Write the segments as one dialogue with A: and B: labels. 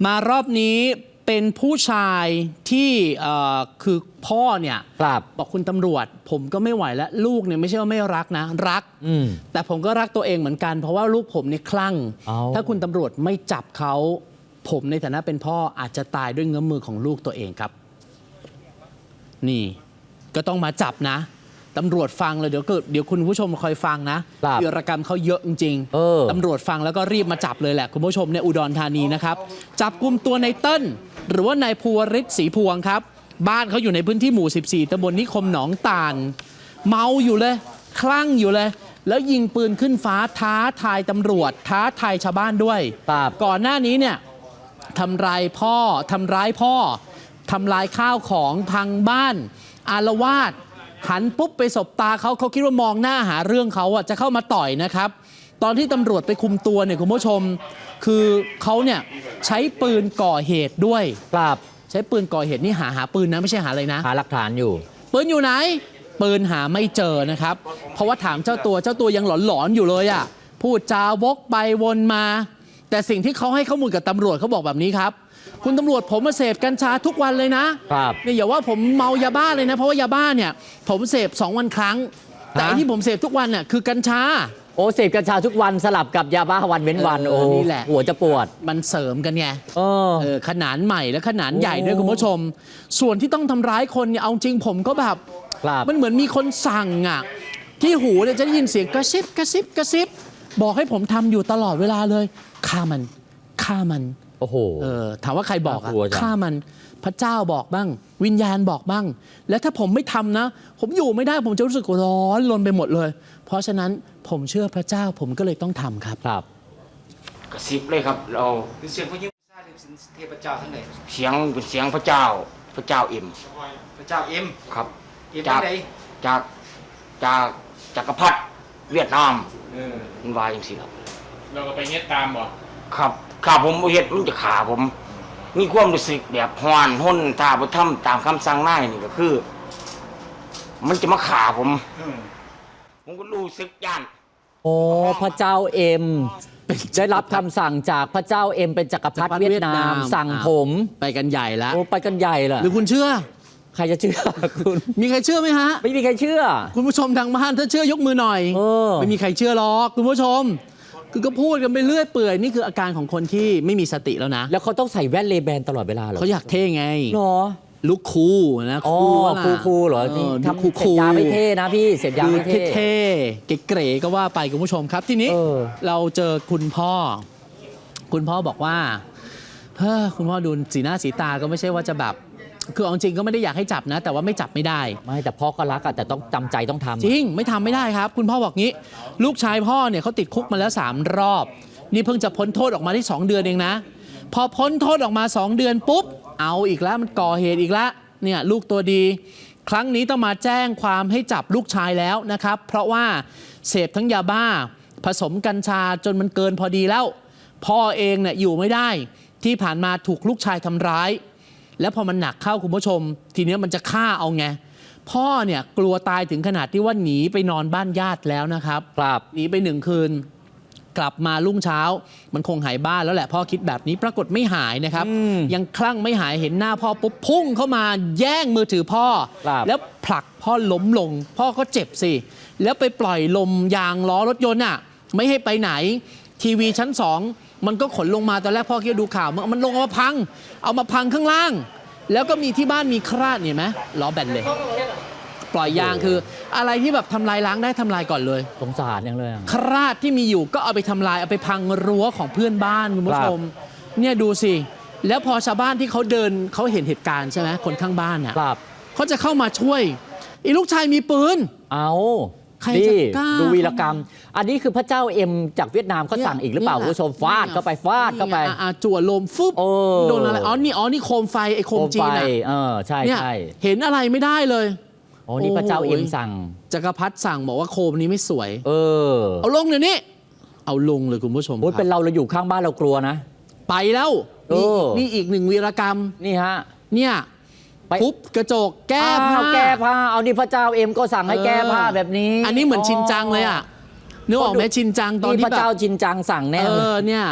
A: มารอบนี้เป็นผู้ชายที่คือพ่อเนี่ยบอกคุณตำรวจผมก็ไม่ไหวแล้วลูกเนี่ยไม่ใช่ว่าไม่รักนะรักแต่ผมก็รักตัวเองเหมือนกันเพราะว่าลูกผมเนี่ยคลั่งถ้าคุณตำรวจไม่จับเขาผมในฐานะเป็นพ่ออาจจะตายด้วยเงื้อมือของลูกตัวเองครับนี่ก็ต้องมาจับนะตำรวจฟังเลยเดี๋ยวคุณผู้ชมคอยฟังนะวีรกรรมเขาเยอะจริงๆตำรวจฟังแล้วก็รีบมาจับเลยแหละคุณผู้ชมในอุดรธานีนะครับจับกุมตัวในเติ้ลหรือว่านายภูวริศศรีพวงครับบ้านเขาอยู่ในพื้นที่หมู่14ตำบลนิคมหนองตาลเมาอยู่เลยคลั่งอยู่เลยแล้วยิงปืนขึ้นฟ้าท้าทายตำรวจท้าทายชาวบ้านด้วยก่อนหน้านี้เนี่ยทำร้ายพ่อทำลายข้าวของพังบ้านอาละวาดหันปุ๊บไปสบตาเขาคิดว่ามองหน้าหาเรื่องเขาจะเข้ามาต่อยนะครับตอนที่ตำรวจไปคุมตัวเนี่ยคุณผู้ชมคือเขาเนี่ยใช้ปืนก่อเหตุด้วยใช้ปืนก่อเหตุนี่หาปืนนะไม่ใช่หาอะไรนะ
B: หาหลักฐานอยู่
A: ปืนอยู่ไหนปืนหาไม่เจอนะครับเพราะว่าถามเจ้าตัวยังหลอนอยู่เลยอ่ะพูดจาวกไปวนมาแต่สิ่งที่เขาให้ข้อมูลกับตำรวจเขาบอกแบบนี้ครับคุณตำรวจผมมาเสพกัญชาทุกวันเลยนะเนี่ยอย่าว่าผมเมายาบ้าเลยนะเพราะว่ายาบ้าเนี่ยผมเสพ2 วันครั้งแต่ที่ผมเสพทุกวันเนี่ยคือกัญชา
B: เสพกัญชาทุกวันสลับกับยาบ้าวันเว้นวัน
A: นี่แหละ
B: หัวจะปวด
A: มันเสริมกันไงขนาดใหม่และขนาดใหญ่ด้วยคุณผู้ชมส่วนที่ต้องทำร้ายคนเนี่ยเอาจริงผมก็แบบมันเหมือนมีคนสั่งอ่ะที่หูเนี่ยจะได้ยินเสียงกระซิบบอกให้ผมทำอยู่ตลอดเวลาเลยฆ่ามัน
B: โอ้โห
A: ถามว่าใครบอกฆ่ามันพระเจ้าบอกบ้างวิญญาณบอกบ้างแล้วถ้าผมไม่ทำนะผมอยู่ไม่ได้ผมจะรู้สึกร้อนรนไปหมดเลยเพราะฉะนั้นผมเชื่อพระเจ้าผมก็เลยต้องทำครับ
C: กระซิบเลยครับเรา
D: เสียงพระยิมซาเทพเจ้าทั้งไหน
C: เสียงเป็นเสียงพระเจ้าเอ็ม
D: พระเจ้าเอ็ม
C: ครับ
D: จาก
C: จักรพรรดิเวียดนามมันวายอย่างสิครับ
D: เราก็ไปเฮ็ดตามบ่
C: ครับข้าผมเฮ็ดมันจะขาผมมีความรู้สึกแบบฮ้อนห้นถ้าบ่ทำตามคำสั่งนายนี่ก็คือมันจะมาขาผมก็รู้สึกย่าน
B: พระเจ้าเอ็มได้รับคำสั่งจากพระเจ้าเอ็มเป็นจักรพรรดิเวียดนามสั่งผม
A: ไปกันใหญ่แล้ว
B: ไปกันใหญ่เหรอ
A: หรือคุณเชื่อ
B: ใครจะเชื่อคุณ
A: มีใครเชื่อไหมฮะ
B: ไม่มีใครเชื่อ
A: คุณผู้ชมทางบ้านถ้าเชื่อยกมือหน่อยไม่มีใครเชื่อหรอกคุณผู้ชมคือก็พูดกันไปเรื่อยเปื่อยนี่คืออาการของคนที่ไม่มีสติแล้วนะ
B: แล้วเขาต้องใส่แว่นเลแบนตลอดเวลาเหรอ
A: เขาอยากเท่ไง
B: หรอ
A: ลุคคูลนะ
B: คูลเหรอทำเสพยาไม่เท่นะพี่เสพยาไม่
A: เท่เก๋ๆก็ว่าไปคุณผู้ชมครับทีนี้เราเจอคุณพ่อบอกว่าคุณพ่อดูสีหน้าสีตาก็ไม่ใช่ว่าจะแบบคือจริงก็ไม่ได้อยากให้จับนะแต่ว่าไม่จับไม่ได้
B: ไม่แต่พ่อก็รักแต่ต้องจำใจต้องทำ
A: จริงไม่ทำไม่ได้ครับคุณพ่อบอกงี้ลูกชายพ่อเนี่ยเขาติดคุกมาแล้ว3 รอบนี่เพิ่งจะพ้นโทษออกมาได้2 เดือนเองนะพอพ้นโทษออกมา2 เดือนปุ๊บเอาอีกแล้วมันก่อเหตุอีกแล้วเนี่ยลูกตัวดีครั้งนี้ต้องมาแจ้งความให้จับลูกชายแล้วนะครับเพราะว่าเสพทั้งยาบ้าผสมกัญชาจนมันเกินพอดีแล้วพ่อเองเนี่ยอยู่ไม่ได้ที่ผ่านมาถูกลูกชายทำร้ายแล้วพอมันหนักเข้าคุณผู้ชมทีนี้มันจะฆ่าเอาไงพ่อเนี่ยกลัวตายถึงขนาดที่ว่าหนีไปนอนบ้านญาติแล้วนะครับหนีไป1 คืนกลับมารุ่งเช้ามันคงหายบ้านแล้วแหละพ่อคิดแบบนี้ปรากฏไม่หายนะครับยังคลั่งไม่หายเห็นหน้าพ่อปุ๊บพุ่งเข้ามาแย่งมือถือพ่อแล้วผลักพ่อล้มลงพ่อก็เจ็บสิแล้วไปปล่อยลมยางล้อรถยนต์ไม่ให้ไปไหนทีวีชั้น2มันก็ขนลงมาตอนแรกพ่อคิดดูข่าวมันลงเอามาพังข้างล่างแล้วก็มีที่บ้านมีคราดเห็นไหมล้อแบนเลยปล่อยยางคืออะไรที่แบบทำลายล้างได้ทำลายก่อนเลย
B: สงสารอย่างเลย
A: คราดที่มีอยู่ก็เอาไปทำลายเอาไปพังรั้วของเพื่อนบ้านคุณผู้ชมเนี่ยดูสิแล้วพอชาวบ้านที่เขาเดินเขาเห็นเหตุการณ์ใช่ไหมคนข้างบ้านเนี่ยเขาจะเข้ามาช่วยอีลูกชายมีปืน
B: นี่ดูวีรกรรมอันนี้คือพระเจ้าเอ็มจากเวียดนามเขาสั่งอีกหรือเปล่าคุณผู้ชมฟาดเข้าไป
A: จั่วลมฟึบโดนอะไรนี่โคมไฟไอ้โคมจีน
B: ใช่
A: เห็นอะไรไม่ได้เลย
B: นี่พระเจ้าเอ็มสั่ง
A: จักรพรรดิสั่งบอกว่าโคมนี้ไม่สวยเอาลงเดี๋ยวนี้เอาลงเลยคุณผู้ชม
B: เป็นเราอยู่ข้างบ้านเรากลัวนะ
A: ไปแล้วนี่อีก1 วีรกรรม
B: นี่ฮะ
A: เนี่ยทุบกระจกแก้ผ้า
B: เอานี่พระเจ้าเอ็มก็สั่งให้แก้ผ้าแบบนี้
A: อันนี้เหมือนชินจังเลยนึกออกไหมชินจังตอนที่
B: พระเจ้าชินจังสั่งแน่
A: เนี่ย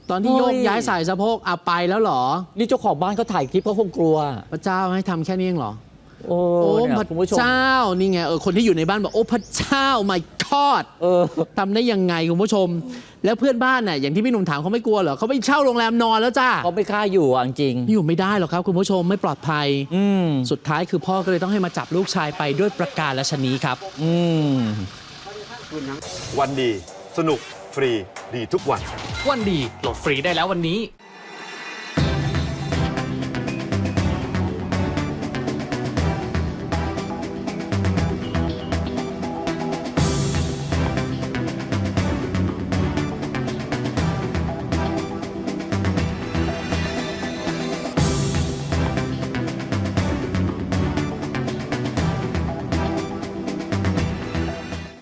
A: ตอนที่โยกย้ายสายสะโพกเอาไปแล้วเหรอ
B: นี่เจ้าของบ้านเขาถ่ายคลิปเขาคงกลัว
A: พระเจ้าให้ทำแค่นี้เองเหรอ
B: โอ้
A: โอ้
B: เนี่ย
A: พระ
B: คุณผู้ชม
A: เจ้านี่ไงคนที่อยู่ในบ้านบอกโอ้พระเจ้า my god ทำได้ยังไงคุณผู้ชม แล้วเพื่อนบ้านน่ะอย่างที่พี่หนุ่มถามเขาไม่กลัวเหรอเขาไปเช่าโรงแรมนอนแล้วจ้า
B: เขาไม่กล้าอยู่อ่ะจริง
A: อยู่ไม่ได้หรอกครับคุณผู้ชมไม่ปลอดภัย สุดท้ายคือพ่อก็เลยต้องให้มาจับลูกชายไปด้วยประการและชนีครับ
E: วันดี สนุก ฟรี ดีทุกวัน
F: วันดีโหลดฟรีได้แล้ววันนี้